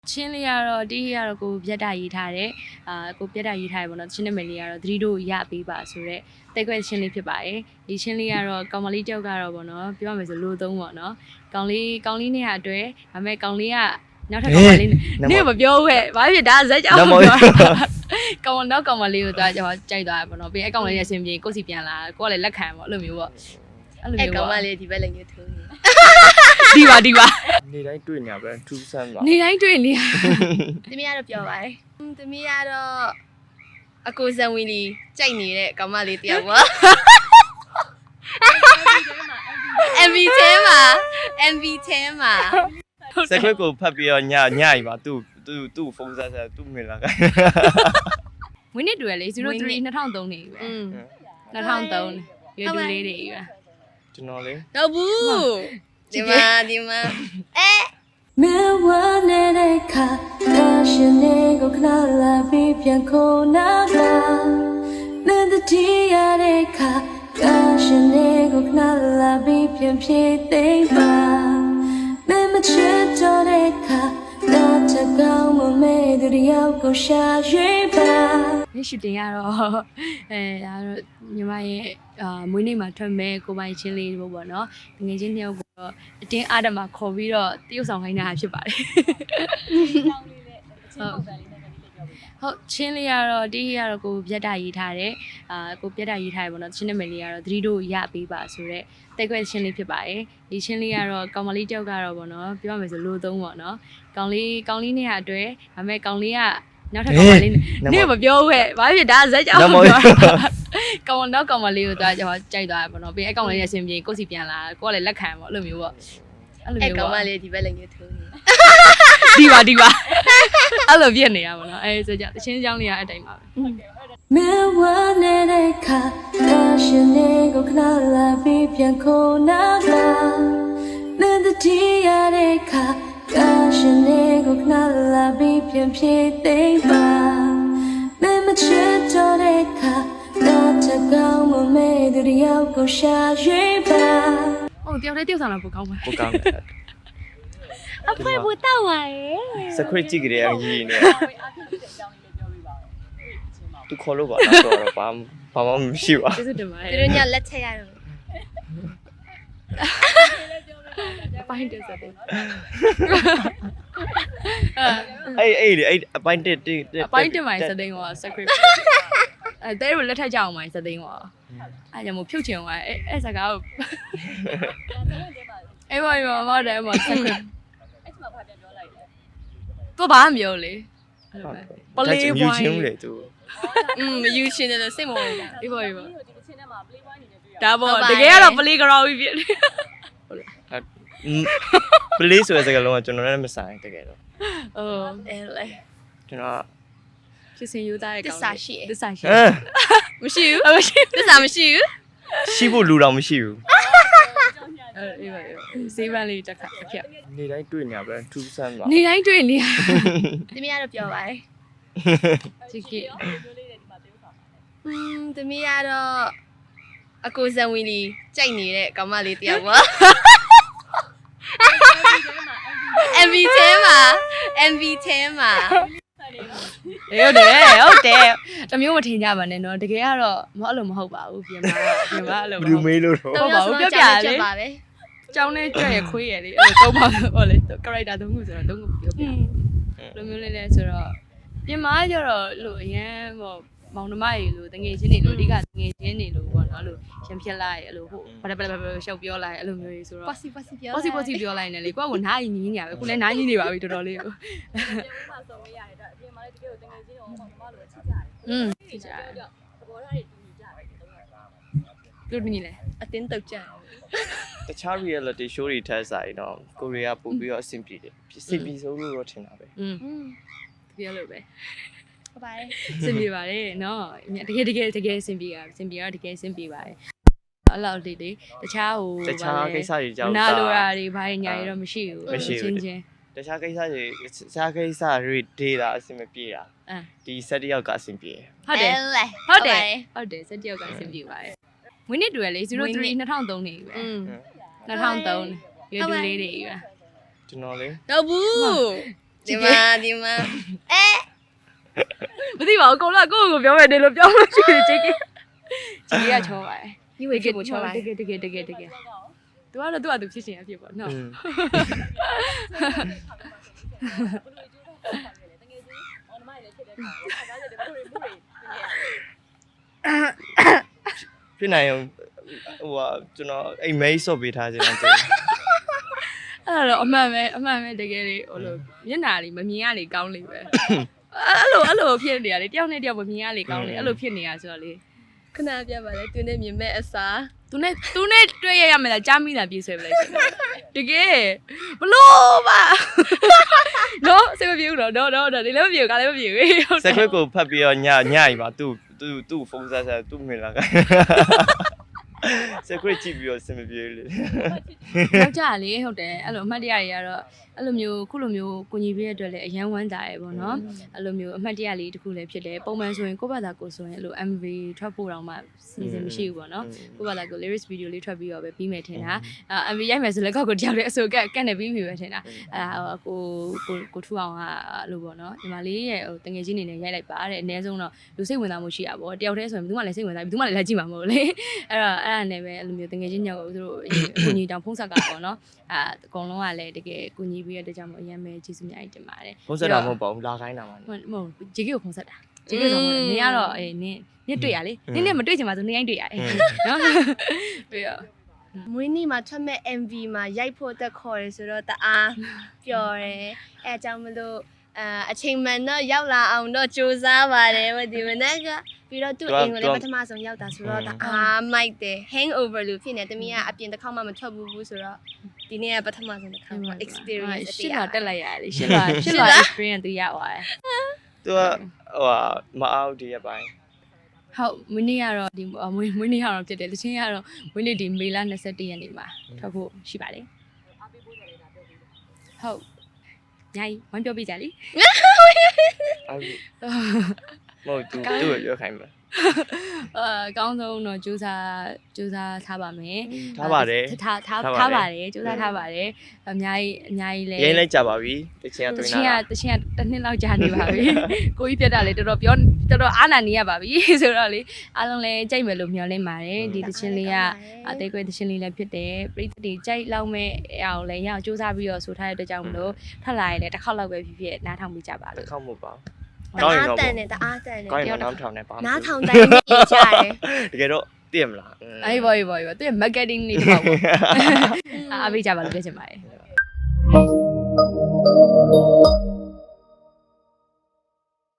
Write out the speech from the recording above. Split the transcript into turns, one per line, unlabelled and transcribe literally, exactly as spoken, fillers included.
ချင်းလေးကတော့တီးရတော့ကိုပြတ်တာရေးထားတယ်အာကိုပြတ်တာရေးထားတယ်ပေါ့နော်ချင်းနမလေးကတော့သတိတို့ရပေးပါဆိုတော့တိတ်ခွဲချင်းလေးဖြစ်ပါတယ်ဒီချင်းလေးကတော့ကောင်မလေးတောက်ကတော့ပေါ့နော်ပြောရမယ်ဆိုလိုသုံးပေါ့နော်ကောင်လေးကောင်လေးနဲ့အတွက်ဒါပေမဲ့ကောင်လေးကနောက်ထပ်ကောင်မလေးနဲ့မပြောဘူးဟဲ့ဘာဖြစ်ဒါဇက်ကြောင်ပြောကောင်တော့ကောင်မလေးကိုတော့ကျွန်တော်ကြိုက်သွားတယ်ပေါ့နော်ပြီးအဲ့ကောင်လေးရရှင်ပြေကိုစီပြန်လာကိုကလည်းလက်ခံပေါ့အဲ့လိုမျိုးပေါ့အဲ့လိုမျိုးပေါ့
ကောင်မလေးဒီဘက်လည်းညှို့ထိုးနေ
ဒီပါဒီပါ
နေတိုင်းတွေ့နေရပဲထူးဆန်းပါ
နေတိုင်းတွေ့နေရ
သမီးကတော့ပြောပါတယ်သမီးကတော့အကိုဇံဝီလီကြိုက်နေတဲ့ကောင်မလေးတယောက်ပါ M V ထဲမှာ M V ထဲမှာ
စခွက်ကိုဖတ်ပြီးတော့ညညရီပါသူ့သူ့သူ့ဖုန်းဆက်ဆက်သူ့မိလာက
မွေးနေ့တူရလေศูနย์စရီ၂၀၀၃နေပြီပဲ၂၀၀၃ရွယ်တူလေးတွေပဲ
ကျွန်တော်လေ
တော့ဘူးဒီမှာဒီမှာအဲ
မေဝနေတဲ့ခါဒါရှင်လေးကိုခဏလာပြီးပြန်ခုန်နာပါမင်းတတိရတဲ့ခါဒါရှင်လေးကိုခဏလာပြီးပြန်ဖြည့်သိမ့်ပါမင်းမချစ်တော့တဲ့ခါဒါတကောင်းမမဲသူတယောက်ကိုရှာရွေးပါ
ဒီရှူတင်ရတော့အဲဒါတော့ညီမရဲ့အာမွေးနေ့မှာထွက်မဲ့ကိုပိုင်ချင်းလေးပေါ့ပေါ့နော်ငွေချင်းနှစ်ယောက်ကိုတော့အတင်းအားတမခေါ်ပြီးတော့တရုပ်ဆောင်ခိုင်းတာဖြစ်ပါတယ်ဟုတ်ချင်းလေးကတော့တီးရတော့ကိုပြတ်တာရေးထားတယ်အာကိုပြတ်တာရေးထားတယ်ပေါ့နော်ချင်းနမလေးကတော့သတိတို့ရပေးပါဆိုတော့တိတ်ခွဲချင်းလေးဖြစ်ပါတယ်ဒီချင်းလေးကတော့ကောင်မလေးတောက်ကတော့ပေါ့နော်ပြောရမယ်ဆိုလိုသုံးပေါ့နော်ကောင်လေးကောင်လေးနဲ့အတွက်ဒါပေမဲ့ကောင်လေးကနောက်ထပ်ကောင်မလေးနဲ့မပြောဘူးဟဲ့ဘာဖြစ်ဒါဇက်ကြောင်ပြောကောင်တော့ကောင်မလေးကိုတော့ကျွန်တော်ကြိုက်သွားတယ်ပေါ့နော်ပြီးအဲ့ကောင်လေးရရှင်ပြေကိုစီပြန်လာကိုကလည်းလက်ခံပေါ့အဲ့လိုမျိုးပေါ့
အဲ့လိုမျိုးပေါ့ကောင်မလေးဒီဘက်လည်းညှို့ထိုးနေ
ဒီပါဒီပါအဲ့လိုပြည့်နေရပါတော့အဲဆိုကြတချင်းချောင်းလေးကအတိုင်းပါပဲ
မေဝနေတဲ့ခါဒါရှင်လေးကိုခဏလာပြီးပြန်ခုန်နာပါမင်းတတိရတဲ့ခါဒါရှင်လေးကိုခဏလာပြီးပြန်ဖြည့်သိမ့်ပါမင်းမချစ်တော့တဲ့ခါဒါတကောင်းမမဲသူတယောက်ကိုရှာရွေးပါ
ဟုတ်တယောက်တည်းတယောက်ဆောင်လာပိုကောင်းပါ
ပိုကောင်းတယ်
အဖေဘူတောက်ပါရဲ့
စခွက်ကြည့်ကြရရည်နေသူခေါ်လို့ပါတော့တော့ဘာဘာမှမရှိပါ
ကျေးဇူးတင်ပါတယ်
သူတို့ညလက်ချက်ရတော့
အပိုင်းတက်စတဲ့
အဲ့အဲ့အဲ့အပိုင်းတက်တက်
အပိုင်းတက်မိုင်းစတဲ့ဟော script အဲတဲရလက်ထက်ကြအောင်မိုင်းစတဲ့ဟောအဲ့ကြောင့်မို့ဖြုတ်ချင်သွားအဲ့အဲ့စကားကိုအဲ့ဘာဘာဘာတဲ့မှာ script အဲ့မှာဘာပြန်ပြောလိုက်လဲသူဘာမှမပြောလေ
ပလေးဝိုင်းချင်းလေသူ
อืมယူရှင်တယ်စိတ်မဝင်ဘူး
အေးပါအေးပါဒီတစ်ချင်းထဲမှာ play point နေတွေ့ရဒါပေါ့တကယ်ကတော့ play ground ကြီးဖြစ်နေ
ဟုတ်လားပလေးဆိုတဲ့စကားလုံးကကျွန်တော်လည်းမဆိုင်တကယ်တော့
အော်
အဲလေ
ကျွန်တော်
ဖြစ်စဉ်ယူသားတဲ့ကောင်
တစ္ဆာရှိ
တစ္ဆာရှိ
မရှိဘူးမရှိတစ္ဆာမရှိဘူး
ရှိဖို့လူတော်မရှိဘူး
အေးပါစေးပန်းလေးတစ်ခါတစ်ခါ
နေတိုင်းတွေ့နေရပဲထူးဆန်းပါ
နေတိုင်းတွေ့နေရ
သမီးကတော့ပြောပါတယ်
ချစ်ကီ
อืมသမီးကတော့အကိုဇံဝီလီကြိုက်နေတဲ့ကောင်မလေးတယောက်ပါ M V ထဲမှာ M V ထဲမှာ
ဟုတ်တယ်ဟုတ်တယ်တမျိုးမထင်ကြပါနဲ့နော်တကယ်ကတော့မအဲ့လိုမဟုတ်ပါဘူးပြင်ပါပြင်ပါအဲ့လို
ဘယ်လိုမေးလို့တော့
ဟုတ်ပါဘူးပြပြလေးကျောင်းနဲ့ကြွရခွေးရလေအဲ့လိုတော့ပါဟောလေ character သုံးခုဆိုတော့သုံးခုပြောပြလိုမျိုးလေးလဲဆိုတော့ပြင်မာကျတော့လို့အရန်ဟောမောင်နှမတွေလို့တငယ်ချင်းတွေလို့အဓိကတငယ်ချင်းတွေလို့ပေါ့နော်အဲ့လိုရံဖြစ်လိုက်အဲ့လိုဟိုဘာလဲဘာလဲရှောက်ပြောလိုက်အဲ့လိုမျိုးကြီးဆိုတော့
possible possible ပြော
possible possible ပြောလိုက်နေလေကိုကကနားကြီးညီးနေရပဲကိုလည်းနားကြီးနေပါပြီတော်တော်လေးကို
ပြန်ဦးမှာဆုံးရရတယ်ဒါအပြင်မှာလည်းတကယ်ကိုတငယ်ချင်းတို့မောင်နှမလိုချစ်ကြတယ်
อืมချစ်ကြတယ်
သဘောထားတွေတူညီကြတယ်တုံးရတာ
တူညီလဲ
အတင်းတုတ်ကြတယ်
တခြား reality show တွေထက်စာရင်တော့ကိုရီးယားပို့ပြီးတော့အဆင်ပြေတယ်အဆင်ပြေဆုံးလို့တော့ထင်တာပဲ
อืมပြောလို့ပဲ
ဟုတ်ပါတယ်
စင်ပြေပါတယ်နော်တကယ်တကယ်တကယ်စင်ပြေတာစင်ပြေတော့တကယ်စင်ပြေပါတယ်အဲ့လောက်လေးလေးတခြားဟို
တခြားကိစ္စတွေကြောင့်
နာလိုရာတွေဘာညာတွေတော့မရှိဘူး
ချင်းချင်းတခြားကိစ္စတွေတခြားကိစ္စတွေဒေတာအဆင်မပြေတာဒီဆက်တယောက်ကအဆင်ပြေ
ဟုတ်တယ်ဟုတ်တယ်ဟုတ်တယ်ဆက်တယောက်ကအဆင်ပြေပါတယ်မွေးနေ့တူရလေศูနย์စရီ၂၀၀၃နေပြီပဲ
อืม
၂၀၀၃ရွယ်တူလေးတွေပဲ
ကျွန်တော်လေ
တော့ဘူးဒီမှာဒီမှာအဲ
မသိပါဘူးကိုလောကိုကိုပြောမယ်နေလို့ပြောလို့ရှိတယ်ဂျေကီဂျေကီကချောပါတယ်
ဒီဝေကကိုချောလိုက်
တကယ်တကယ်တကယ်တကယ်သူကတော့သူ့အတူဖြစ်ရှင်အဖြစ်ပေါ့နော်
ဖြစ်နိုင်အောင်ဟိုဟာကျွန်တော်အိမ်မဲဆော့ပေးထားခြင်းတော့
အဲ့တော့အမှန်ပဲအမှန်ပဲတကယ်လေဟိုလိုမျက်နှာလေးမမြင်ရလေကောင်းလေပဲအဲ့လိုအဲ့လိုဖြစ်နေရလေတယောက်နဲ့တယောက်မမြင်ရလေကောင်းလေအဲ့လိုဖြစ်နေရဆိုတော့လေ
ခဏပြပါလေသူနဲ့မြင်မဲ့အစား
သူနဲ့သူနဲ့တွေ့ရရမယ်လားကြားမိတာပြေးဆွဲပလိုက်ရှင်တကယ်ဘလို့ပါနော်စိတ်မပြေဘူးတော့တော့တော့ဒီလည်းမပြေဘူးကလည်းမပြေဘူး
စက်ခွက်ကိုဖတ်ပြီးတော့ညညရီပါသူ့သူ့သူ့ဖုန်းဆက်ဆက်သူ့မိလာကစက်ခွက်ကြည့်ပြီးတော့စင်မပြေလေ
ယောက်ျားလေဟုတ်တယ်အဲ့လိုအမှတ်တရတွေကတော့အဲ့လိုမျိုးခုလိုမျိုးကိုညီပေးရတဲ့အတွက်လည်းအရန်ဝမ်းသာရယ်ပေါ့နော်အဲ့လိုမျိုးအမှတ်တရလေးတစ်ခုလည်းဖြစ်တယ်ပုံမှန်ဆိုရင်ကိုယ့်ဘာသာကိုဆိုရင်အဲ့လို M V ထွက်ဖို့တော့မှစီစဉ်မရှိဘူးပေါ့နော်ကိုယ့်ဘာသာကို lyrics video လေးထွက်ပြီးတော့ပဲပြီးမယ်ထင်တာအဲ M V ရိုက်မယ်ဆိုလည်းကောက်ကိုတယောက်တည်းအစိုးကက်ကတ်နေပြီးပြီပဲထင်တာအဲကိုကိုကိုထူအောင်ကအဲ့လိုပေါ့နော်ညီမလေးရဲ့ဟိုတငယ်ချင်းနေနဲ့ရိုက်လိုက်ပါတဲ့အနည်းဆုံးတော့လူစိတ်ဝင်စားမှုရှိတာပေါ့တယောက်တည်းဆိုရင်ဘယ်သူမှလည်းစိတ်ဝင်စားဘူးဘယ်သူမှလည်းလက်ကြည့်မှာမဟုတ်လေအဲ့တော့အဲ့ဒါနဲ့ပဲအဲ့လိုမျိုးတငယ်ချင်းညောက်ကိုသူတို့ကိုညီတောင်ဖုံးဆက်ကပေါ့နော်အဲအကုန်လုံးကလည်းတကယ်ကိုညီပြီးရတဲ့ကြောင့်မို့အရင်ပဲကျေးဇူးများကြီးတင်ပါတယ်
ဖုန်းဆက်တာမဟုတ်ပါဘူးလာခိုင်းတာပါ
ဟုတ်မဟုတ်ဂျေကီကိုဖုံးဆက်တာဂျေကီဆိုတော့နင်ကတော့အေးနင်နင်တွေ့ရလေနင်နဲ့မတွေ့ချင်ပါဆိုနင်ရိုင်းတွေ့ရတယ်နော်ပြီးတော့
မွေးနေ့မှာထွက်မဲ့ M V မှာရိုက်ဖို့တက်ခေါ်ရဲဆိုတော့တအားပျော်တယ်အဲအကြောင်းမလို့အအချိန်မှန်တော့ရောက်လာအောင်တော့စူးစမ်းပါတယ်ဗဒီမနက်ကပြီးတော့သူ့အိမ်ကိုလည်းပထမဆုံးရောက်တာဆိုတော့တအားမိုက်တယ် hangover လို့ဖြစ်နေတမီးကအပြင်တစ်ခေါက်မှမထွက်ဘူးဘူးဆိုတော့ဒီနေ့ကပထမဆုံးတစ်ခါမှ experience
ရှစ်တော့တက်လိုက်ရတယ်ရှစ်တော့ရှစ်တော့ experience သူရသွားတယ်
သူကဟိုဟာမအောင်ဒီရပိုင်း
ဟုတ်မွေးနေ့ကတော့ဒီမွေးမွေးနေ့ကတော့ဖြစ်တယ်တချင်းကတော့မွေးနေ့ဒီမေလ၂၁ရက်နေ့မှာထွက်ဖို့ရှိပါတယ်ဟုတ်ညာကြီးဝမ်းပြောပြကြလေ
အဲ့မဟုတ်သူသူ့ကိုပြောခိုင်းမှာ
အာအကောင်းဆုံးတော့ကြိုးစားကြိုးစားထားပါမယ်
ထားပါတယ်
ထားထားထားပါတယ်ကြိုးစားထားပါတယ်အများကြီးအများကြီးလဲ
ရင်းလိုက်ကြပါပြီတချင်က
တ
တွင်း
ချင်းက
လာ
တချင်းကတစ်နှစ်လောက်ကြာနေပါပြီကိုကြီးပြတ်တာလေတော်တော်ပြောတော်တော်အားနာနေရပါပြီဆိုတော့လေအားလုံးလဲကြိုက်မယ်လို့မျှော်လင့်ပါတယ်ဒီတချင်းလေးကအသေးကွဲတချင်းလေးလည်းဖြစ်တယ်ပရိသတ်တွေကြိုက်လောက်မဲ့အောင်လဲရအောင်ကြိုးစားပြီးတော့ဆိုထားတဲ့အတွက်ကြောင့်မလို့ထပ်လာရင်လည်းတစ်ခေါက်လောက်ပဲဖြစ်ဖြစ်နားထောင်ပြီးကြပါ
တစ်
လို့
ခေါက်မဟုတ်ပါ
တအားတန်တယ်တအားတန်တယ်
ကောင်းရင်တော့ထောင်နေပါ
နားထောင်တိုင်းမြင်ကြတယ်
တကယ်တော့သိရမလား
အေးဘော်ဘော်ဘော်သူရဲ့ marketing လေးတစ်ခေါက်ပေါ့အားပေးကြပါလို့ပြောချင်ပါတယ်